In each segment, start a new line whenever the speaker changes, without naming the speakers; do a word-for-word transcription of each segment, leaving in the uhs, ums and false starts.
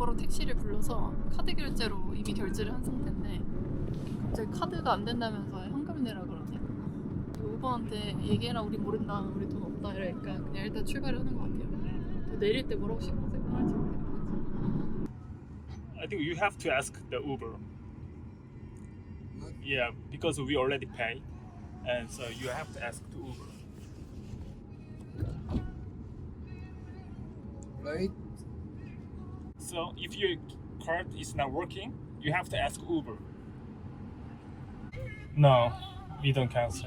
우버로 택시를 불러서 카드 결제로 이미 결제를 한 상태인데 갑자기 카드가 안 된다면서 현금 내라 그러네. 우버한테 얘기해라, 우리 모른다, 우리 돈 없다 이러니까 그냥 일단 출발을 하는 것 같아요. 또 내릴 때 뭐라고 신경 생각할지 모르겠다.
I think you have to ask the Uber. Yeah, because we already paid, and so you have to ask the Uber.
Right?
So if your card is not working, you have to ask Uber. No, we don't cancel.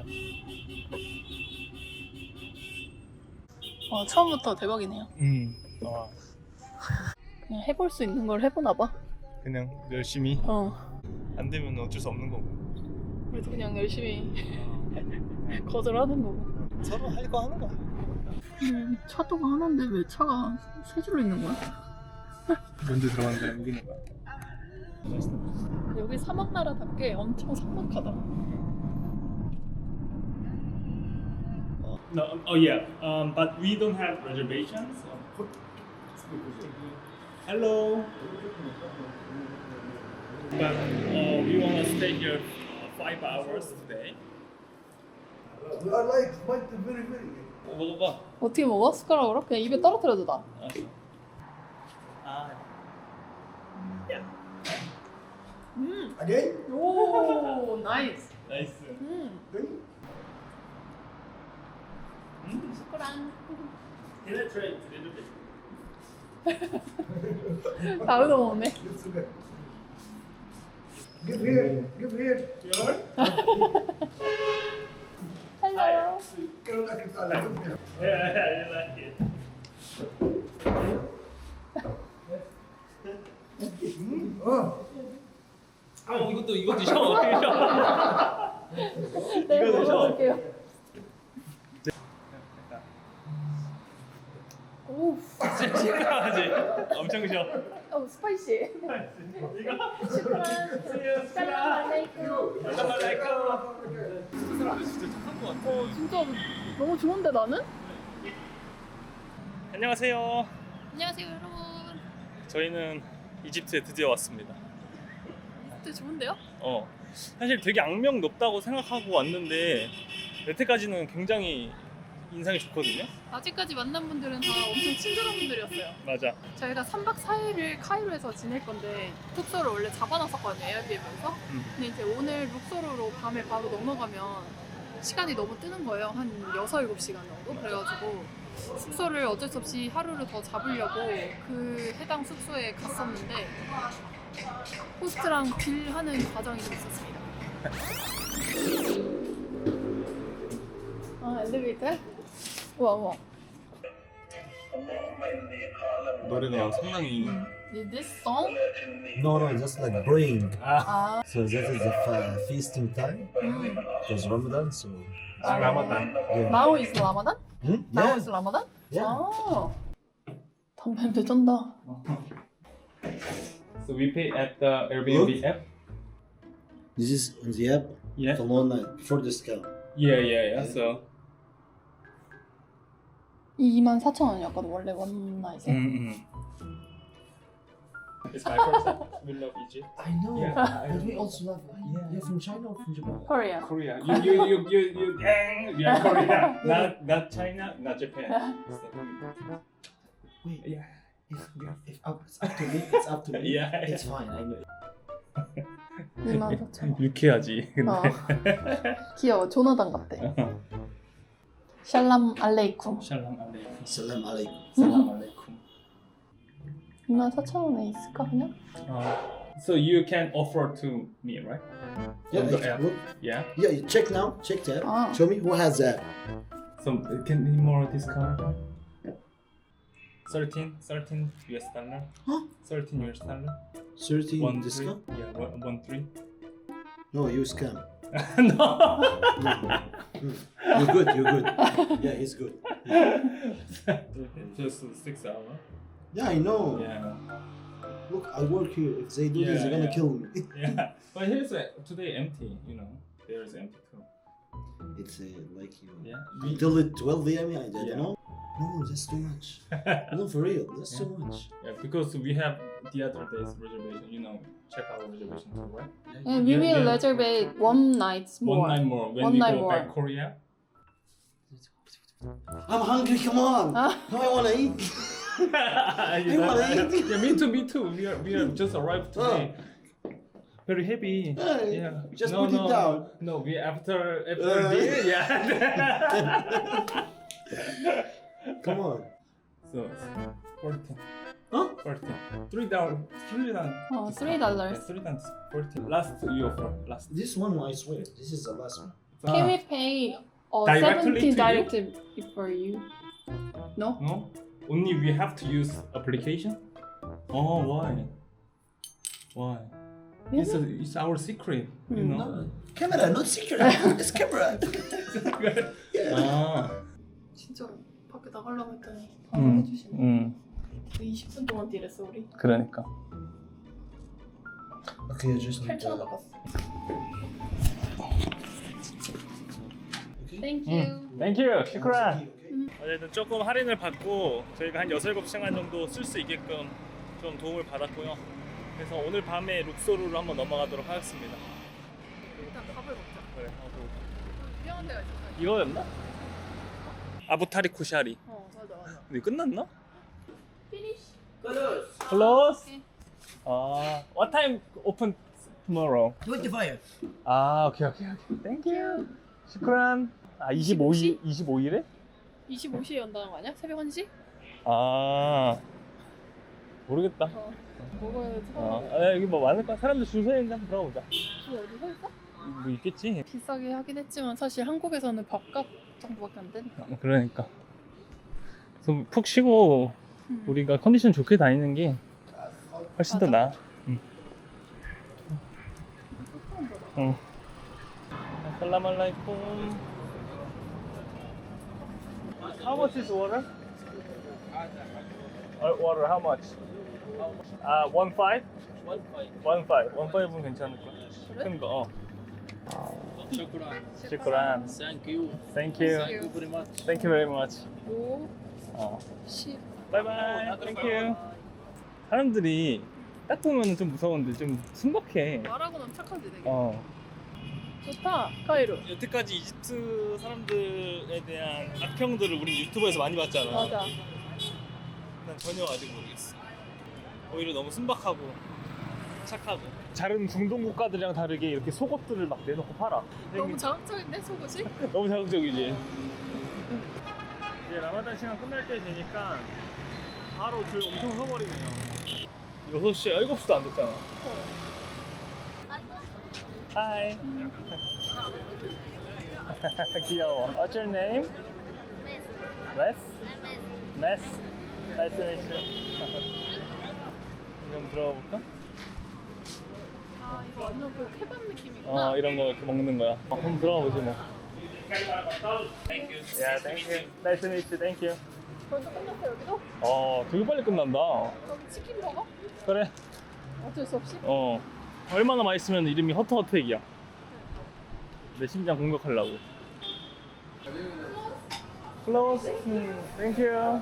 와, 처음부터 대박이네요.
음, 어,
그냥 해볼 수 있는 걸 해보나 봐.
그냥 열심히
어,
안 되면 어쩔 수 없는 거고.
그래도 그냥 열심히 거절하는 거고.
서로 할 거 하는 거야.
음, 차도가 하나인데 왜 차가 세 줄로 있는 거야?
먼저 들어가는 사람 이기는 거야.
여기 사막나라답게 엄청 삭막하다.
No, um, oh yeah, um, but we don't have reservations. So. Hello. But uh, we want to stay here uh, five hours today.
We are like quite very very.
어, 먹어봐.
어떻게 먹어? 숟가락으로? 그냥 입에 떨어뜨려도 다.
아,
음,
Again?
오, 나이스.
나이스.
음,
Again?
숟가락.
Can I try it a little bit?
다르도 먹네.
It's okay. Give here. Give here.
Sure.
헬로.
كانوا الأكل بتاعنا. Give here.
Yeah, I like it.
Oh.
아, 이것도 이거 드셔. 드셔.
네,
이거 드셔.
먹어볼게요. 오,
시원하지? 엄청 쉬어.
어, 스파이시.
이거
슈크란. 살람 알레이쿰.
알라말라이쿰. 그 사람들 진짜 착한 거 같아.
어, 진짜 너무 좋은데 나는?
안녕하세요.
안녕하세요 여러분.
저희는 이집트에 드디어 왔습니다.
진짜 좋은데요?
어, 사실 되게 악명 높다고 생각하고 왔는데 여태까지는 굉장히 인상이 좋거든요.
아직까지 만난 분들은 다 엄청 친절한 분들이었어요.
맞아.
저희가 삼 박 사 일을 카이로에서 지낼 건데 숙소를 원래 잡아놨었거든요, 에어비앤비에서.
음.
근데 이제 오늘 룩소르로 밤에 바로 넘어가면 시간이 너무 뜨는 거예요. 한 여섯, 일곱 시간 정도? 그래가지고 숙소를 어쩔 수 없이 하루를 더 잡으려고 그 해당 숙소에 갔었는데 호스트랑 딜하는 과정이 좀 있었습니다. 아, 엘리베이터? 우와, 우와.
노래가 상당히
Is this song?
No, no, just like praying.
아,
So that is the fa- feasting time
음.
because Ramadan. So
아, 라마단.
yeah.
Now is Ramadan?
Hmm?
Now
Yeah.
is Ramadan?
Yeah.
아, 담배 배쩐다.
So we pay at the Airbnb app.
This is on the app.
Yeah.
The one night before discount.
Yeah, yeah, yeah. So.
이만 사천 원이었거든 원래 원나잇에.
음, 음. It's my first time. We love Egypt.
I know.
Yeah.
But we also love. Yeah. You're from China or from Japan?
Korea.
Korea. You, you, you, you, you. Dang, we are Korea. Not, not China, not Japan.
Wait.
Yeah.
If, if up, it's up to me. It's up to me.
Yeah,
It's fine. I know.
이만 사천 원.
유쾌하지. 근데.
어. 귀여워. 조나단 같대. 샬람 알레이쿰.
샬람 알레이쿰.
Salam alaikum.
살람 알레이쿰.
이만 사천 원에 있을까 그냥?
Uh, so you can offer to me, right?
Yeah.
On the
I-
app.
look.
Yeah.
Yeah. You check now. Check that.
Ah.
Show me who has that.
So can be more discount. thirteen, thirteen U S dollar.
Huh?
thirteen U S dollar.
Thirteen
One
discount.
three. Yeah, one, one three.
No, you scam.
No.
You're good. You're good. Yeah, he's good.
Just six hour.
Yeah, I know.
Yeah.
Look, I work here. If they do
Yeah,
this, they're gonna
yeah.
kill me.
Yeah. But here's a, today empty. You know, there is empty too.
It's uh, like you
Yeah.
until it twelve a m. I don't
Yeah.
know. No, that's too much. No, for real, that's too much.
Yeah, because we have the other day's reservation. You know, check our reservation too, right?
And we
Yeah,
will
yeah.
reserve one night more.
One night more when
One
we
night
go
more.
back Korea.
I'm hungry. Come on.
Huh?
Now I wanna eat.
you
wanna eat?
Yeah, me too, me too. We are we are just arrived today. Very happy.
Hey,
Yeah.
just
no,
put
no,
it down.
No, we after after
Uh.
dinner. Yeah.
Come on.
so fourteen.
Huh?
fourteen. Three down. Three down.
어, three
Yeah,
dollars.
three times fourteen. Last you offer. Last.
This one, I swear, this is the last one.
Can we pay uh,
Directly to
seventeen
you?
directly for you? No?
No? Only we have to use application? Oh, why? Why? It's, a, it's our secret, you
Hmm.
know?
No, camera, not secret. It's camera. yeah.
아,
진짜로 밖에 나가려고 했더니 바로
음,
해주시네.
음,
이십 분 동안 딜했어 우리.
그러니까.
Okay, I just need
팔천 원
to.
바꿨어.
Okay.
Thank you.
땡큐, 시크란.
음.
어쨌든 조금 할인을 받고 저희가 한 여섯, 일곱 시간 정도 쓸 수 있게끔 좀 도움을 받았고요. 그래서 오늘 밤에 룩소르로 한번 넘어가도록 하겠습니다.
일단 밥을 먹자.
그래, 하고.
유명한 데가 있어.
이거였나? 아부타리 쿠샤리.
어 맞아 맞아.
근데 끝났나?
Finish.
Close.
오케이.
아, what time open tomorrow?
twenty-five.
아, 오케이 오케이 오케이. 땡큐. 시크란. 아, 이십오일 이십오일에?
이십오 시에 연다는 거 아니야? 새벽 한 시?
아, 모르겠다.
어. 먹어야지.
어, 아, 여기 뭐 많을 거야. 사람들 줄 서 있는데 한번 들어가 보자.
뭐 어디 서 있어?
뭐 있겠지.
비싸게 하긴 했지만 사실 한국에서는 밥값 정도밖에 안 되니까.
어, 그러니까. 좀 푹 쉬고
음.
우리가 컨디션 좋게 다니는 게 훨씬 더 나아. 응. 응. 살라말라이쿰. How much is water? Uh, water, how much? 아, one five? One five. One five. One five은 괜찮을 거야.
그래?
큰 거. 어.
Shukran.
시크란.
Thank you.
Thank you.
Thank you very much.
Thank you very much.
오,
어.
십.
바이바이. 땡큐. 사람들이 딱 보면 좀 무서운데 좀 순박해.
말하고는 착하지 되게.
어.
좋다. 카이로.
여태까지 이집트 사람들에 대한 악평들을 우리 유튜브에서 많이 봤잖아.
맞아.
난 전혀 아직 모르겠어. 오히려 너무 순박하고 착하고. 다른 중동 국가들이랑 다르게 이렇게 속옷들을 막 내놓고 팔아.
너무 자극적인데 속옷이?
너무 자극적이지. 이제 라마단 시간 끝날 때 되니까 바로 줄 엄청 서버리네요. 여섯 시, 일곱 시도 안 됐잖아. 하이. 귀여워. What's your name? Wes? Wes? Nice to meet you. 좀 들어가 볼까?
아 이거 완전 그 케밥 느낌이구나.
어, 이런 거 이렇게 먹는 거야. 어, 한번 들어가 보지 뭐. Yeah, thank you. Nice to meet you. Thank you.
벌써 끝났어 여기도?
어, 되게 빨리 끝난다.
여기 치킨 먹어?
그래.
어쩔 수 없이?
어. 얼마나 맛있으면 이름이 허터허트액이야. 내 심장 공격하려고. Close. 음, thank you.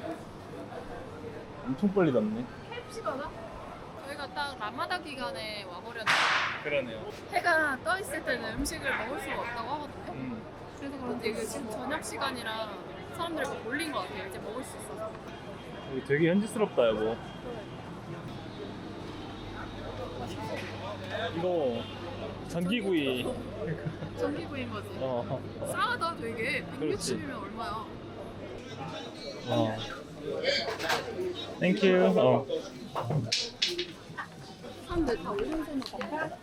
엄청 빨리 닿네.
케이에프씨 받아? 저희가 딱 라마다 기간에 와버렸는데
그러네요.
해가 떠 있을 때는 음식을 먹을 수가 없다고 하거든요.
음.
그래서 그런지 이게 지금 저녁 시간이라 사람들이 막 몰린 것 같아요. 이제 먹을 수 있어서.
여기 되게 현지스럽다, 여보. 이거 전기구이.
전기구이인 거지.
어.
싸다 되게.
그렇지.
백육십이면 얼마야?
어. Thank you. 어.
사람들 다 오른손으로 먹어.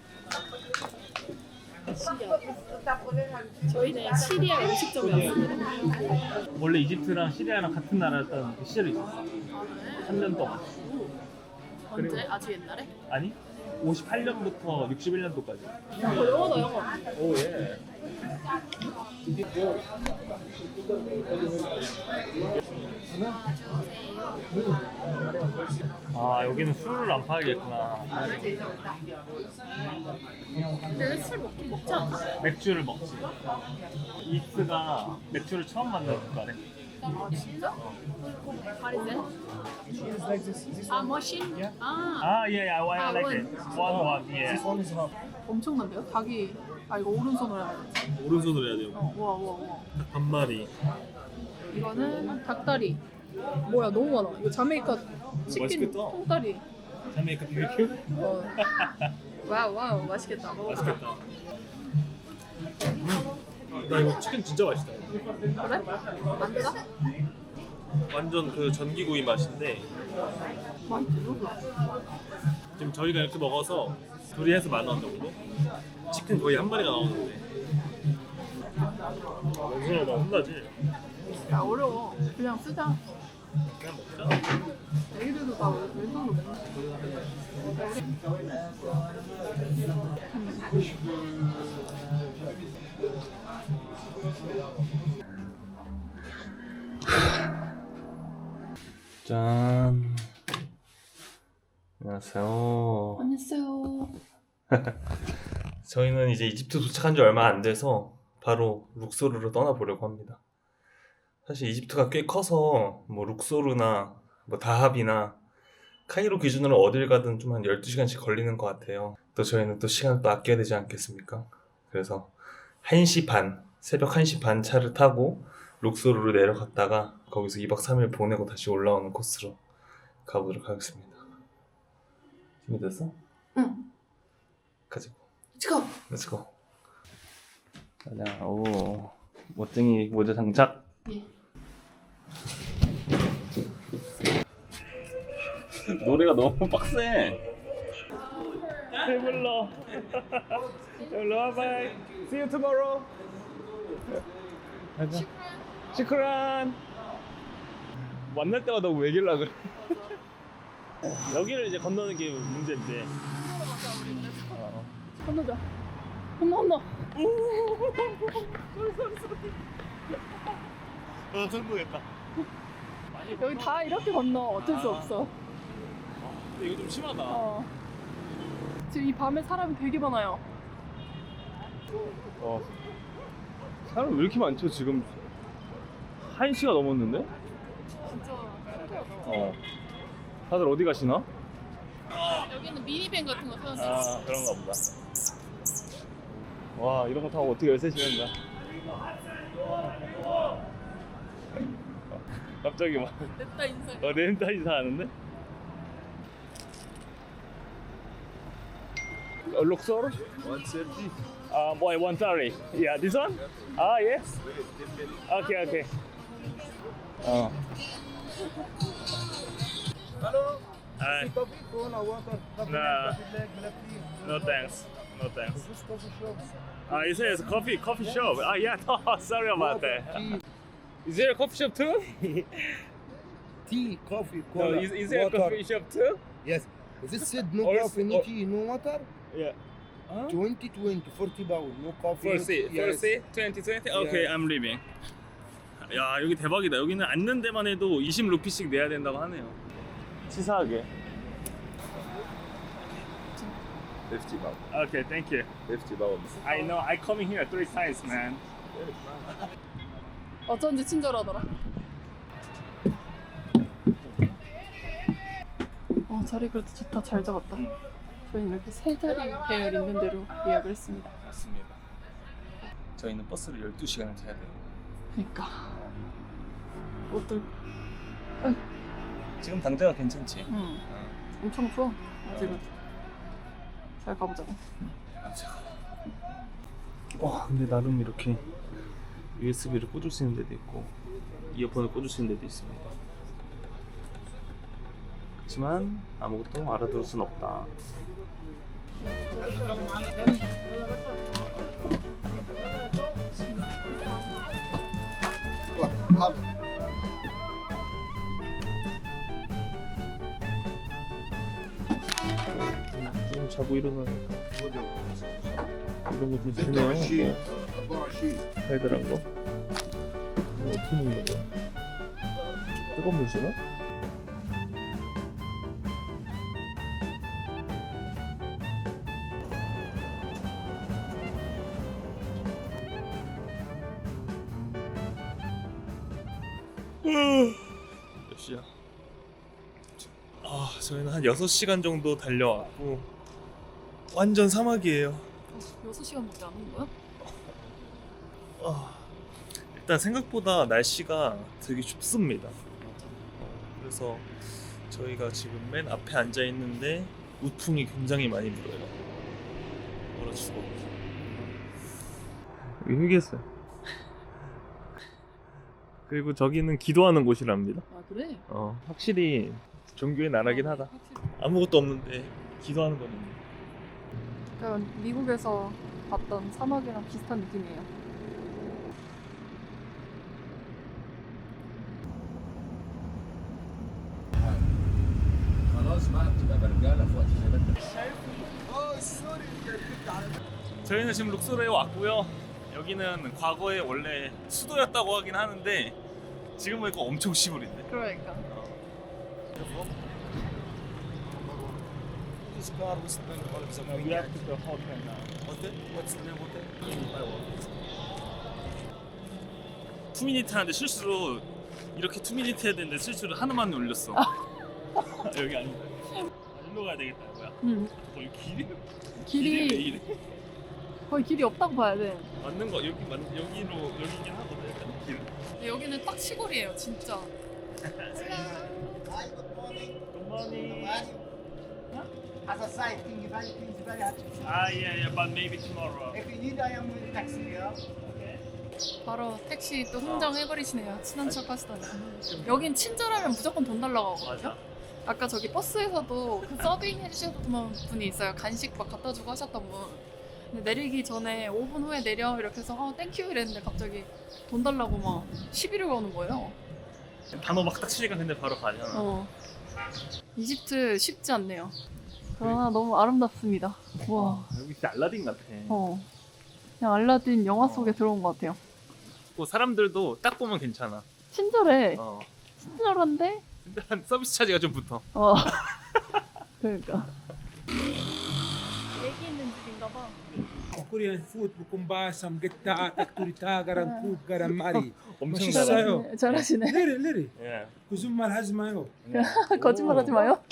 시리아. 저희는 시리아 음식점이었습니다.
원래 이집트랑 시리아랑 같은 나라였던 그 시절이 있었어.
아, 그래?
삼 년 동안.
언제?
그리고-
아주 옛날에?
아니? 오십팔 년부터 육십일 년도까지.
어, 영어다 영어.
오 예. 아 여기는 술을 안 팔겠구나.
근데 왜 술 먹긴 먹지 않아?
맥주를 먹지. 이스가 맥주를 처음 만든 국가래.
아 진짜? 파리제? 아 머신? 아
아, 예, 예, I
아,
like
원.
it. One, one, yeah.
엄청난데요? 닭이 아 이거 오른손으로 해야 돼.
오른손으로 해야 돼요.
어, 와 와 와.
한 마리.
이거는 닭다리. 뭐야 너무 많아. 이거 자메이카 치킨
맛있겠다.
통다리.
자메이카 비비큐?
어. 와우 와우 맛있겠다. 먹어봐.
맛있겠다. 음. 나 이거 치킨 진짜 맛있다.
그래? 안 짜?
완전 그 전기구이 맛인데
많이 들어가.
지금 저희가 이렇게 먹어서 둘이 해서 만 원 정도? 치킨 거의 한 마리가 나오는데 원순아 나 혼나지?
야 어려워. 그냥 쓰자.
그냥 먹자.
애기들도 다 왼손으로 먹는
짠. 안녕하세요.
안녕하세요.
저희는 이제 이집트 도착한 지 얼마 안 돼서 바로 룩소르로 떠나보려고 합니다. 사실 이집트가 꽤 커서 뭐 룩소르나 뭐 다합이나 카이로 기준으로 어딜 가든 좀 한 열두 시간씩 걸리는 것 같아요. 또 저희는 또 시간을 또 아껴야 되지 않겠습니까? 그래서 한 시 반, 새벽 한 시 반 차를 타고 룩소르로 내려갔다가 거기서 이 박 삼 일 보내고 다시 올라오는 코스로 가보도록 하겠습니다. 준비됐어?
응.
가지고
치고.
렛츠고. 가자. 오, 멋쟁이 모자 장착.
예.
노래가 너무 빡세. 배불러. 배불러. 바이. See you tomorrow. 가자. 시크란. 만날 때마다 왜길라 그래. 여기를 이제 건너는 게 문제인데.
건너자. 건너 건너.
어, 성공했다.
여기 다 이렇게 건너. 어쩔 수 없어.
근데 이거 좀 심하다.
어. 지금 이 밤에 사람이 되게 많아요.
어. 사람 왜 이렇게 많죠? 지금 한 시가 넘었는데?
진짜 신기하다.
어. 다들 어디 가시나?
여기는 미니밴 같은 거 세웠는데.
아, 그런가 보다. 와, 이런 거 타고 어떻게 열세 시간 가? 갑자기 막
냅다 인사.
어, 렌타 인사하는데? 어, 룩소르?
one thirty.
아, boy, one thirty. Yeah, this one? 아, yes. Okay, okay. 어.
Hello.
Hi.
Coffee, Corona, water. Coffee,
Nah.
coffee black, black tea.
No thanks. No thanks.
This coffee shop.
Ah, it says coffee coffee shop. Ah, yeah. No, sorry about
Water,
that.
tea,
Is there a coffee shop too?
tea, coffee,
No,
cola,
is, is there a
water.
coffee shop too?
Yes. This said no
Or-
coffee, no
or-
tea, no water.
Yeah. Huh?
twenty twenty, forty pound, no coffee.
For
no
C,
tea.
for
Yes.
C, twenty twenty. Okay,
Yeah.
I'm leaving. 야, 여기 대박이다. 여기는 앉는 데만 해도 이십 루피씩 내야 된다고 하네요. 치사하게.
fifty pound.
Okay, thank you.
fifty pound.
I know. I come here three times, man.
어쩐지 친절하더라. 어 자리 그래도 좋다. 잘 잡았다.
응.
저희는 이렇게 세 자리 배열 있는 대로 예약을 했습니다.
맞습니다. 저희는 버스를 열두 시간을 타야 돼요.
그러니까 옷들
지금 당장은 괜찮지?
응. 엄청 추워. 아직은. 잘 가보자고.
와, 근데 나름 이렇게 유에스비를 꽂을 수 있는 데도 있고 이어폰을 꽂을 수 있는 데도 있습니다. 그렇지만 아무것도 알아들을 순 없다. 좀 자고 일어나니까 이런 거좀 주네요. 달달한 거. 이거 어떻게 먹는 거야? 뜨거운 물 주나? 몇 시야? 아, 저희는 한 여섯 시간 정도 달려왔고 완전 사막이에요.
여섯 시간밖에 안 온 거야?
아, 일단 생각보다 날씨가 되게 춥습니다. 그래서 저희가 지금 맨 앞에 앉아 있는데 우풍이 굉장히 많이 불어요. 얼어 죽어. 여기 휴게소요. 그리고 저기는 기도하는 곳이랍니다.
아 그래?
어, 확실히 종교의 나라긴 하다.
확실히.
아무것도 없는데 기도하는 거는.
약간 미국에서 봤던 사막이랑 비슷한 느낌이에요.
خلاص ما بتبقى برجاله في وقت زي ده.
저희는 지금 룩소르에 왔고요. 여기는 과거에 원래 수도였다고 하긴 하는데 지금 보니까 엄청 시골인데.
그러니까.
투미니트 하는데 실수로 이렇게 투미니트 해야 되는데 실수로 하나만 올렸어. 여기 아니다. 일로 가야 되겠다 이거야.
응.
거기 길이
길이
왜 이래?
거의 길이 없다고 봐야 돼.
맞는 거 여기 맞 여기로 여기긴 하거든. 약간 길.
근데 여기는 딱 시골이에요, 진짜.
굿모닝.
As a side thing, very things very happy.
아 yeah yeah but maybe tomorrow.
If you need, I am with the taxi here.
바로 택시 또 흥정해버리시네요. 친한 척 하시다니. 여긴 친절하면 무조건 돈 달라고 하거든요.
맞아.
아까 저기 버스에서도 그 서빙 해주셨던 분이 있어요. 간식 막 갖다 주고 하셨던 분. 근데 내리기 전에 오 분 후에 내려 이렇게 해서 어 땡큐 이랬는데 갑자기 돈 달라고 막 시비를 거는 거예요.
단어 막 딱 치니까 근데 바로 가잖아.
어. 이집트 쉽지 않네요. 그러나 너무 아름답습니다. 와.
여기 진짜 알라딘 같아.
어. 그냥 알라딘 영화 속에 들어온 것 같아요.
그 사람들도 딱 보면 괜찮아.
친절해.
어.
친절한데?
근데 한 서비스 차지가 좀 붙어.
어. 그러니까. 얘기 있는 집인가 봐.
Korean food bukumba samgita takturita garan kub garan mari.
엄청
맛있어요.
잘해.
잘하시네. 잘하시네.
Liri liri.
예.
Kuzummal hazmayo.
거짓말하지 마요.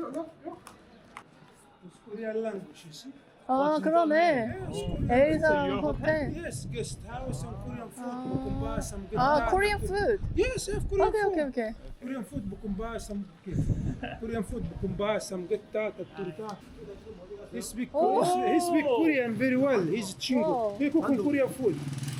It's Korean language, you see?
아 그러네. 엘사
your
호텔.
Yes, guest house and Korean food
Ah.
bukumba samgita.
아 코리안 푸드.
Yes, I have Korean
오케이
food.
오케이 오케이.
Korean food bukumba sam Korean food bukumba samgita takturita. He speak
Oh.
he speak Korean very well. He's
Oh.
chingo. He cook Korean food.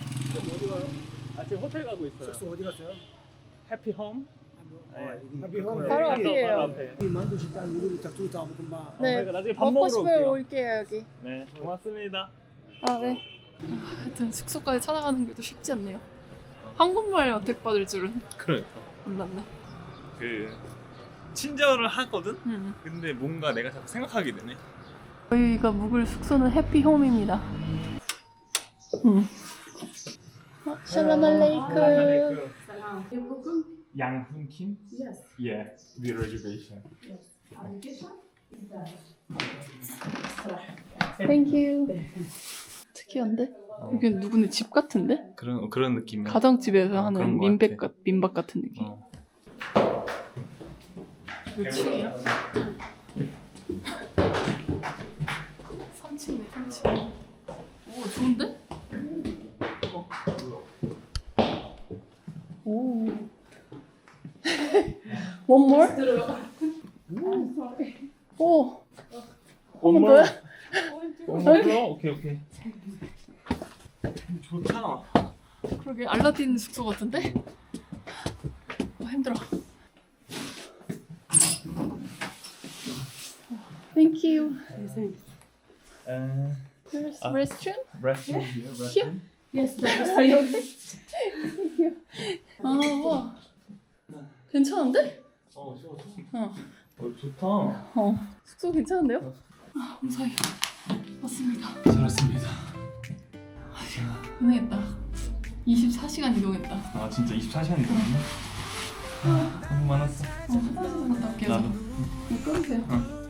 아 지금 호텔 가고 있어요.
어디 갔어요?
해피홈.
Happy home.
바로
Very
앞이에요.
앞에.
만두 식당 누구 takturita bukumba.
네.
저희가 나중에 밥
먹고
먹으러
싶으면
올게요.
올게요 여기.
네, 고맙습니다.
아 네. 아, 하여튼 숙소까지 찾아가는 게 또 쉽지 않네요. 한국말 어택 받을 줄은
그러니까
몰랐네.
그 친절을 하거든.
음.
근데 뭔가 내가 자꾸 생각하게 되네.
저희가 묵을 숙소는 해피홈입니다. 음. 어, 샬람 알레이크.
양훈 킴? Yes. Yeah, the reservation.
땡큐. 특이한데? 여기 누구네 집 같은데?
그런 그런 느낌이야.
가정집에서
어, 그런
하는
것
민백
같아.
같, 민박 같은 느낌.
어.
몇 층이야? 삼 층이네, 삼 층. 오, 좋은데? 어. 오. One more? 오. 한번 더요?
엄마 오케이 오케이. 좋다.
그러게 알라딘 숙소 같은데? 아, 힘들어. Thank you.
에,
There's
아.
restroom?
restroom here,
Here?
restroom.
Yes, Thank you. 아, 와. 괜찮은데?
어, 좋아, 좋아.
어.
어, 좋다.
어. 숙소 괜찮은데요? 아, 무사히 왔습니다.
잘했습니다.
고생했다. 이십사 시간 이동했다.
아, 진짜 이십사 시간이 넘었네. 아, 너무 많았어.
어, 화장실 갔다 올게요.
나도.
이거 끊으세요.
응.